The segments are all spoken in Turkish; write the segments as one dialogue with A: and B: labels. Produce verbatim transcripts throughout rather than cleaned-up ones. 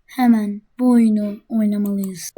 A: Hemen bu oyunu oynamalıyız.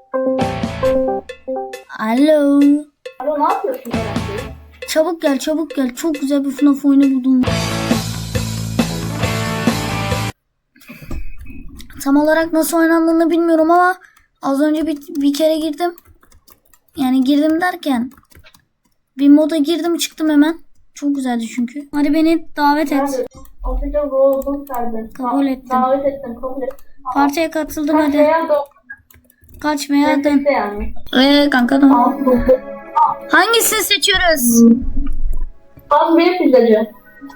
A: Alo.
B: Alo, ne yapıyorsun herhalde?
A: Çabuk gel çabuk gel. Çok güzel bir F N A F oyunu buldum. Tam olarak nasıl oynandığını bilmiyorum ama az önce bir, bir kere girdim. Yani girdim derken bir moda girdim çıktım hemen. Çok güzeldi çünkü. Hadi beni davet et.
B: Ofiste oldum serdim.
A: Kabul ettim.
B: Davet ettim, kabul ettim.
A: Partiye katıldım
B: Kaç
A: hadi.
B: veya da
A: Kaç veya dön.
B: nefeste yani.
A: Eee kanka dön.
B: Altı dokuz.
A: Hangisini seçiyoruz?
B: Az benim pizzacı.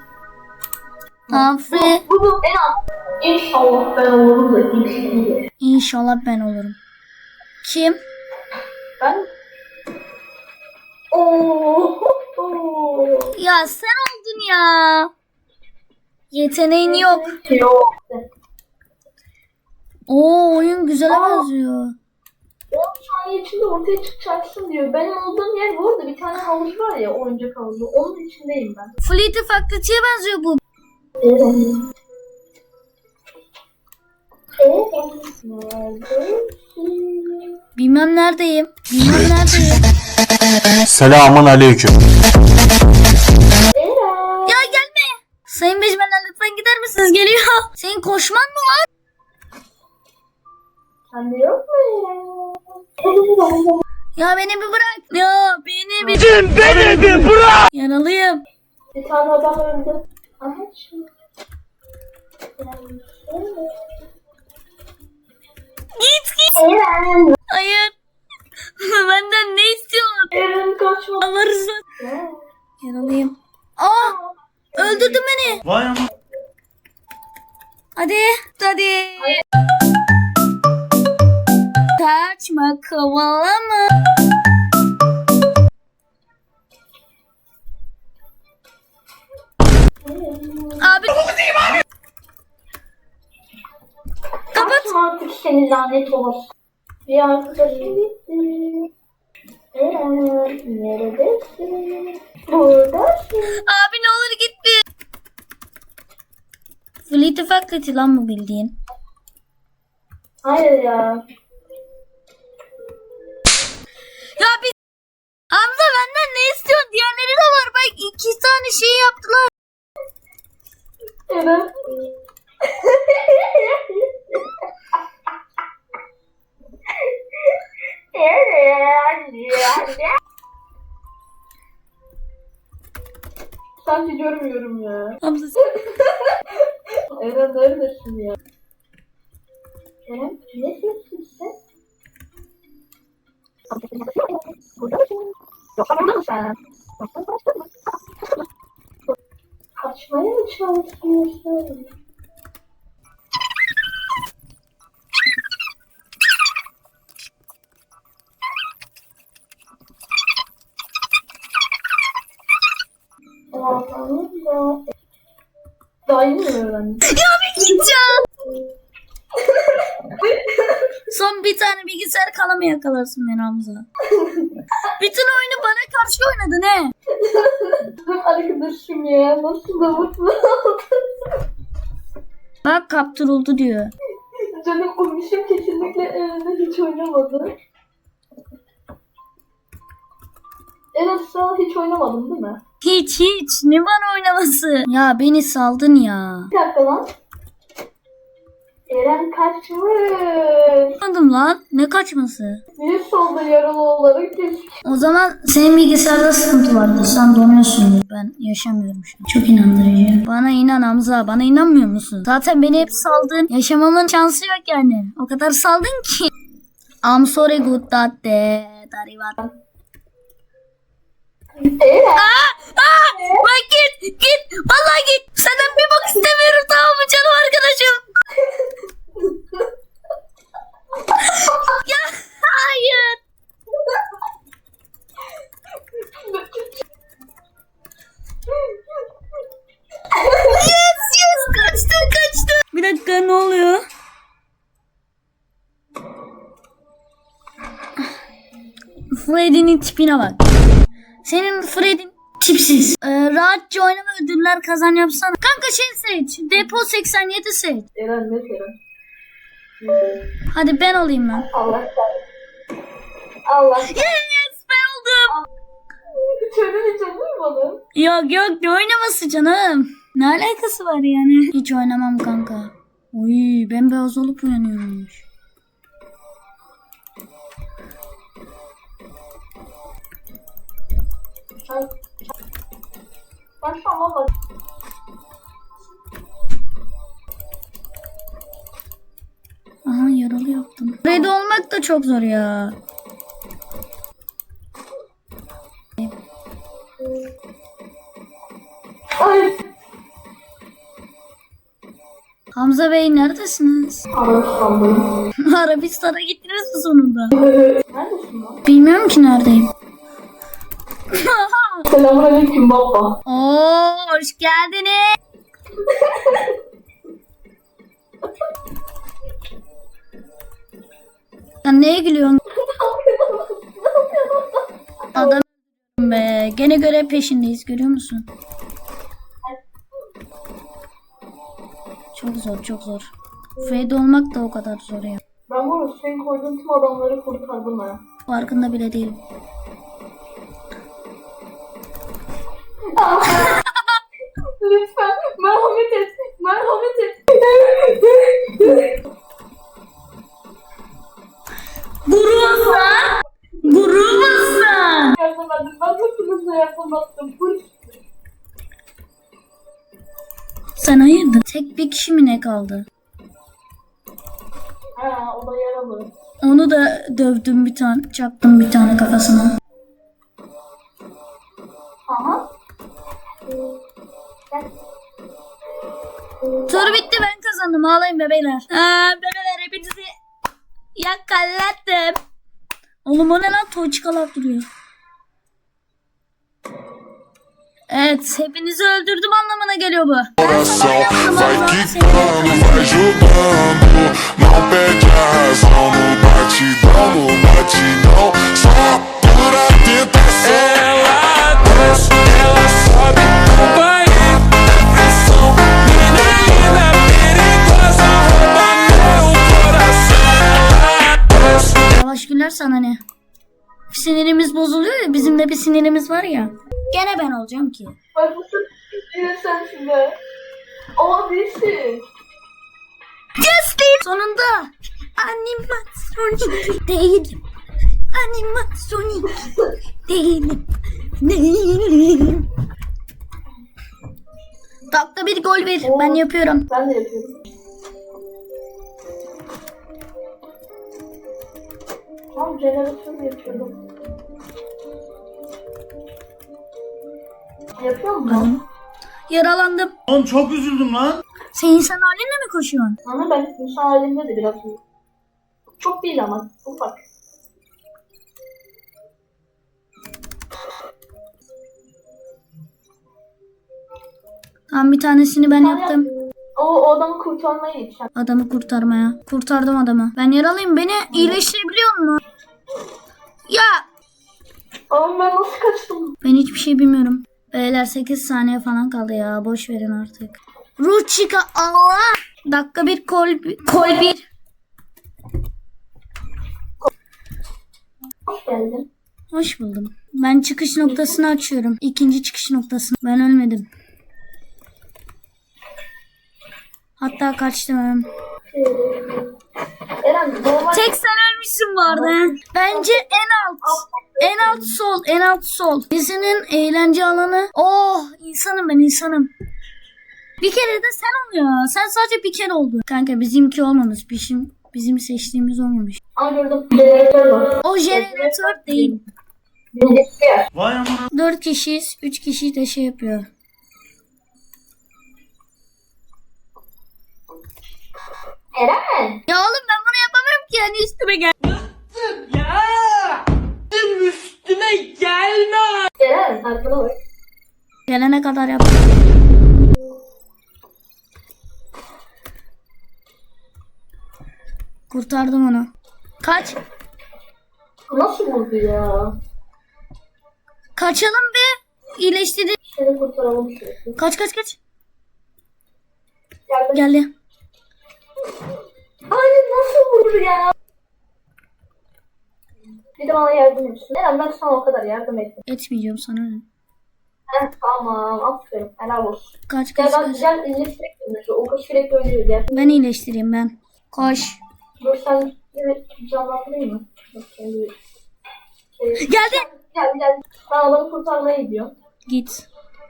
A: Afri.
B: Bu, bu en az. İnşallah ben olurum da inşallah.
A: İnşallah ben olurum. Kim?
B: Ben... Oo. Oo.
A: Ya sen oldun ya. Yeteneğin yok.
B: Yok.
A: Oo oyun güzel
B: Aa.
A: benziyor.
B: on saniye içinde ortaya çıkacaksın diyor. Benim olduğum yer bu arada bir tane havuz var ya, oyuncak havuzu. Onun içindeyim ben.
A: Fleet'i Faculty'ye benziyor bu. Bilmem neredeyim. Bilmem neredeyim.
C: Selamun aleyküm.
A: Ya gelme. Sayın Becmenler lütfen gider misiniz? Geliyor. Senin koşman mı var?
B: Sende yok mu ya?
A: Ya beni bir bırak. Ya beni bir...
C: Beni bir bırak.
A: Yaralıyım.
B: Bir tane adam öldü. Aha şimdi.
A: Git git.
B: Eren.
A: Hayır. Benden ne istiyorsun?
B: Eren kaçma.
A: Allah rızası. Yaralıyım. Aa! Öldürdün beni.
C: Vay ama.
A: Hadi. Hadi. Kaçma kovalama. Abi. Kapat.
B: Kaçma artık, seni lanet olası. Bir arkadaşım gitti. Eren neredesin? Buradasın.
A: Abi ne olur git bir. Fleet'i Faculty lan bu bildiğin.
B: Hayır ya.
A: Ya biz... Hamza benden ne istiyorsun? Diğerleri de var. Bak iki tane şey yaptılar.
B: Eren. Sanki görmüyorum ya.
A: Hamza sen...
B: Eren neredesin ya? Eren ne sessin sen? Burada mısın? Yoksa burada mısın sen? Yoksa kaçtın mı? Kaçmaya mı çalışıyorsun? Allah'ım ya. Daha yeni mi öğrendin?
A: Ya bir gideceğim. Son bir tane bilgisayar kalamı yakalarsın beni Hamza. Bütün oyunu bana karşı oynadın he.
B: Arkadaşım ya, nasıl da mutlu oldum.
A: Bak kaptırıldı diyor.
B: Canım umuşum kesinlikle evinde hiç oynamadı. En azından hiç oynamadım değil mi?
A: Hiç hiç. Ne bana oynaması? Ya beni saldın ya.
B: Bir dakika lan. Eren kaçmış.
A: Anladım lan. Ne kaçması?
B: Bir solda yaralı olarak geçmiş.
A: O zaman senin bilgisayarda sıkıntı vardı. Sen donuyorsun. Ben yaşamıyorum şu an. Çok inandırıcı. Bana inan Hamza. Bana inanmıyor musun? Zaten beni hep saldın. Yaşamamın şansı yok yani. O kadar saldın ki. I'm sorry good that day. Darivat.
B: Eren.
A: Aa, aa, bak git git. Vallahi git. Senden bir bak istemiyorum tamam mı canım arkadaşım? Ya hayır. Yes yes kaçtı kaçtı. Bir dakika ne oluyor? Freddy'nin tipine bak. Senin Freddy'nin tipsiz. Ee, rahatça oynama ödüller kazan yapsana. Kanka şey seç. Depo seksen yedi seç.
B: Eren ne Eren?
A: Hadi ben olayım lan.
B: Allah kahretsin. Allah.
A: Yes, ben oldum.
B: Çölün içi vurmadım.
A: Yok yok, ne oynaması canım. Ne alakası var yani? Hiç oynamam kanka. Oy, bembeyaz olup uyanıyormuş.
B: Ben, ben şu an valla
A: Aha, yaralı yaptım. Red olmak da çok zor ya.
B: ay
A: Hamza Bey neredesiniz?
B: Arabistan'dayım.
A: Arabistan'a gittiniz mi sonunda?
B: Neredesin lan?
A: Bilmiyorum ki neredeyim.
B: Selamünaleyküm baba.
A: Oo, hoş geldiniz. Sen neye gülüyorsun? Adam be. Gene görev peşindeyiz, görüyor musun? Çok zor, çok zor. Fade olmak da o kadar zor ya.
B: Ben bu arada senin koyduğun tüm adamları kurtardım ha.
A: Farkında bile değilim.
B: Lütfen merhamet et. Merhamet et.
A: Gurursan! Gurursan!
B: Yardım edin. Ben hepinize yardım ettim. Full.
A: Sen hayırdır? Tek bir kişi mi ne kaldı?
B: Ha, o da yaralı.
A: Onu da dövdüm bir tane, çaktım bir tane kafasına.
B: Aha.
A: Tur bitti, ben kazandım. Ağlayın bebeler. Aa, bebeler hepinizi yakalattım. Oğlum o ne lan? Toçkalar duruyor. Evet, hepinizi öldürdüm anlamına geliyor bu. Ben sana yaptım,
D: Vai
A: Allah'ım seni
D: quicando,
A: yakaladım.
D: vai jogando. Não perde a razão no batidão, no batidão. Só pura tentação. Ela desce, ela sobe com banho. Pressão, menina linda, perigosa, rouba meu coração. Ela desce.
A: Yavaş güler sana ne? Sinirimiz bozuluyor ya, bizim de bir sinirimiz var ya. Gene ben olacağım ki.
B: Bak bu sırf sensin be. Ama değilsin.
A: Justin! Sonunda animatronik değilim. Animatronik değilim. Değilim. Dakika bir gol ver. Ben yapıyorum.
B: Ben de yapıyorum. Tam jeneratör yapıyorum. Yapıyor musun?
A: Yaralandım.
C: Oğlum çok üzüldüm lan.
A: Sen insan halinle mi koşuyorsun?
B: Ama ben insan halinde de biraz iyi. Çok değil ama ufak.
A: Tamam, bir tanesini ben yaptım.
B: O, o adamı kurtarmaya gideceğim.
A: Adamı kurtarmaya. Kurtardım adamı. Ben yaralıyım. Beni iyileştirebiliyor musun? Ya
B: Ama ben nasıl kaçtım?
A: ben hiçbir şey bilmiyorum. Beyler sekiz saniye falan kaldı ya. Boş verin artık. Ruh çıka Allah. Dakika bir kol, kol bir.
B: Hoş geldin.
A: Hoş buldum. Ben çıkış noktasını açıyorum. İkinci çıkış noktasını. Ben ölmedim. Hatta kaçtım.
B: Ee, Eren normal...
A: Tek sen ölmüşsün bu arada. he. Bence en alt. En alt sol. En alt sol. Dizinin eğlence alanı. Oh, insanım ben, insanım. Bir kere de sen ol ya. Sen sadece bir kere oldu. Kanka bizimki olmamış. Bizim, bizim seçtiğimiz olmamış.
B: Aa gördüm. Jeneratör var.
A: O jeneratör değil.
B: Birincisi yer.
C: Vay amına.
A: Dört kişiyiz. Üç kişi de şey yapıyor.
B: Eren.
A: Ya oğlum ben bunu yapamıyorum ki. Yani üstüme gel.
B: Eren arkana bak.
A: Gelene kadar yap. Kurtardım onu. Kaç.
B: Nasıl vurdu ya?
A: Kaçalım bir. İyileştirdi.
B: Seni kurtaralım şöyle.
A: Kaç kaç kaç.
B: Geldim.
A: Geldi.
B: Hayır nasıl Hayır ya. Bir de bana yardım etsin. Neden ben sana o kadar yardım ettim.
A: Etmeyeceğim sana ne?
B: Heh, tamam aferin. Helal olsun.
A: Kaç
B: Gel
A: kaç
B: ben
A: kaç.
B: gel iyileştirek mi? O kaç sürekli ölüyor gel.
A: Ben iyileştireyim ben. Koş.
B: Dur sen evet canlandırayım mı? Bak, kendi- Ee,
A: Geldi.
B: Gel gel. Ben adamı kurtarmaya gidiyorum.
A: Git.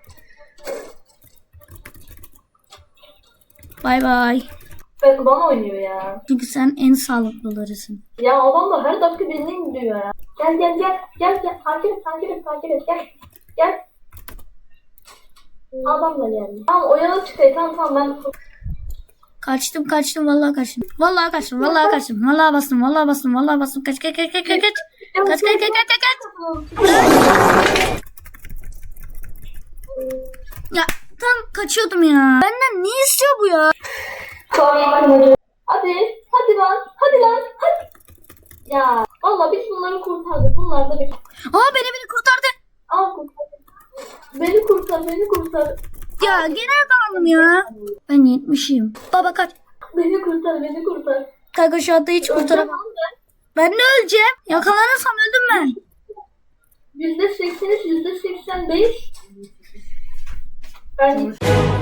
A: Bay bay.
B: Ben bana oynuyor ya.
A: Çünkü sen en sağlıklılarısın.
B: Ya adam da her dakika birini indiriyor ya. Gel gel gel. Gel gel. Takip et takip et takip et. Gel. Gel. Adam da geldi. Tamam o yana çıkayım. Tamam tamam ben...
A: Kaçtım kaçtım vallahi kaçtım. Vallahi kaçtım vallahi kaçtım. Vallahi bastım vallahi bastım vallahi bastım. Kaç kaç kaç kaç kaç kaç. Kaç kaç kaç kaç kaç. Ya tam kaçıyordum ya. Benden ne istiyor bu ya?
B: Hadi. Hadi lan. Hadi lan. Hadi. Ya. Valla biz bunları kurtardık. Bunlar da bir...
A: Aa beni beni kurtardı.
B: Al kurtar. Beni kurtar. Beni kurtar.
A: Ya gene yakalandım ya. Ben yetmişim. Baba kaç.
B: Beni kurtar. Beni kurtar.
A: Kanka şu anda hiç kurtaramam. Ben ne öleceğim? Yakalanırsam öldüm ben.
B: Yüzde seksen üç, yüzde seksen beş. Ben